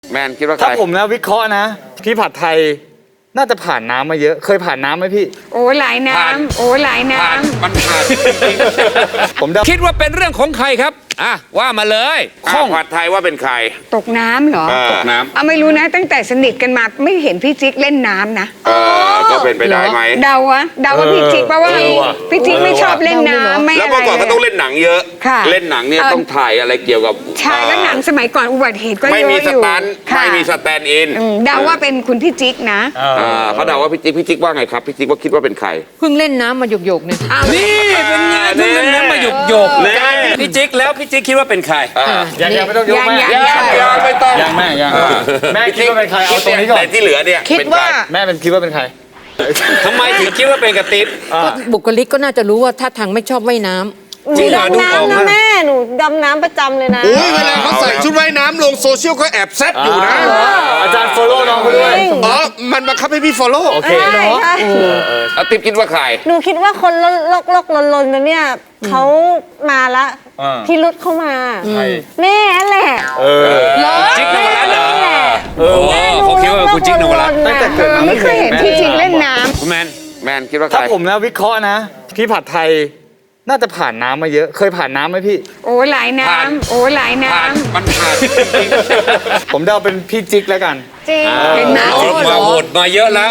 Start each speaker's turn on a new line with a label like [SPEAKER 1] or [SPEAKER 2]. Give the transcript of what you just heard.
[SPEAKER 1] แมนคิดว่าใคร
[SPEAKER 2] ถ้าผมนะวิเคราะห์นะพี่ผัดไทยน่าจะผ่านน้ำมาเยอะเคยผ่านน้ำไหมพี่
[SPEAKER 3] โอ้หลายน้ำโอ้หลายน้
[SPEAKER 1] ผ่านมันผ่าน
[SPEAKER 2] ผมเดา
[SPEAKER 4] คิดว่าเป็นเรื่องของใครครับว่ามาเลย
[SPEAKER 1] ข้องผัดไทยว่าเป็นใคร
[SPEAKER 3] ำตกน้ำเหรอ
[SPEAKER 1] ตกน้ำ
[SPEAKER 3] เอาไม่รู้นะตั้งแต่สนิทกันมาไม่เห็นพี่จิ๊กเล่นน้ำนะ
[SPEAKER 1] ก็เป็นไปได้ไหม
[SPEAKER 3] เดาว่าพี่จิ๊กเพราะว่าพี่จิ๊กไม่ชอบเล่นน้ำไม่
[SPEAKER 1] แล้ว
[SPEAKER 3] อะไร
[SPEAKER 1] เมื่อก่อนก็ต้องเล่นหนังเยอะ
[SPEAKER 3] ค่ะ
[SPEAKER 1] เล่นหนังเนี่ยต้องถ่ายอะไรเกี่ยวกับ
[SPEAKER 3] ใช่แล้วหนังสมัยก่อนอุบัติเหตุก็เย
[SPEAKER 1] ไม่
[SPEAKER 3] อะ
[SPEAKER 1] มี
[SPEAKER 3] อ
[SPEAKER 1] ส
[SPEAKER 3] ยู่
[SPEAKER 1] ตันท์
[SPEAKER 3] ค่ะ
[SPEAKER 1] ไม่มีสแตนด์อิน
[SPEAKER 3] เดาว่าเป็นคุณพี่จิ๊กนะ
[SPEAKER 1] เขาเดาว่าพี่จิ๊กว่าไงครับพี่จิ๊กว่าคิดว่าเป็นใคร
[SPEAKER 5] เพิ่งเล่นน้ำมาหยกๆเนี่ย
[SPEAKER 4] นี่เป็นไงเพิ่งเล่นน้ำมาหยก
[SPEAKER 1] แน่
[SPEAKER 4] พี่จิ๊กแล้วพี่จิ๊กคิดว่าเป็นใคร
[SPEAKER 2] ยังไม่ต้องยกแม่
[SPEAKER 1] ยังไม่ต้อง
[SPEAKER 2] ยังแม่ยังแม่คิดว่าเป็นใครเอาตรงนี้ก่อน
[SPEAKER 1] แต่ที่เหลือเนี่ย
[SPEAKER 5] คิด
[SPEAKER 1] เป็นใร
[SPEAKER 5] ว่า
[SPEAKER 2] แม่เป็นคิดว่าเป็นใคร
[SPEAKER 4] ทำไมถึงคิดว่าเป็นกระติ๊บ
[SPEAKER 5] ก็บุคลิกก็น่าจะรู้ว่าท่าทางไม่ชอบว่ายน้ำ
[SPEAKER 4] จริงเหรอดูออก
[SPEAKER 6] ดำน้ำนะ
[SPEAKER 4] นะ
[SPEAKER 6] แม่ หนูดำน้ำประจำเลยนะ
[SPEAKER 7] อุ้ยเวลาเขาใส่ชุดว่ายน้ำลงโซเชียลก็แอบแซบอยู่นะ
[SPEAKER 2] อาจารย์โฟโล่น้องไปด้วย
[SPEAKER 7] อ๋อ มันบังคับให้พี่ฟอลโล่
[SPEAKER 2] โอเค
[SPEAKER 6] ใช่ใช่
[SPEAKER 1] เอาติ๊บคิดว่าใคร
[SPEAKER 6] หนูคิดว่าคนลกๆลนๆนะเนี่ยเขามาละพี่รุดเข้ามา แม่แหละ
[SPEAKER 4] จิ๊กนวรัตน์เหรอ
[SPEAKER 6] แม่
[SPEAKER 4] เขาคิดว่าคุณจิ๊กนวรัตน์
[SPEAKER 2] ตั้งแต่เกิดมา
[SPEAKER 3] ไม่เคยเห็นพี่จิ๊กเล่นน้
[SPEAKER 4] คุณแมน
[SPEAKER 1] แมนคิดว่าใคร
[SPEAKER 2] ถ้าผมนะวิเคราะห์นะพี่ผัดไทยน่าจะผ่านน้ำมาเยอะเคยผ่านน้ำไหมพี่
[SPEAKER 3] ำโอ้หลายน้ำโอ้หลายน้
[SPEAKER 1] ผ่านมันผ่าน
[SPEAKER 2] ผมเดาเป็นพี่จิ๊กแล้วกัน
[SPEAKER 3] ำจริงเห็นไหม
[SPEAKER 4] มาโหวตมาเยอะแล้ว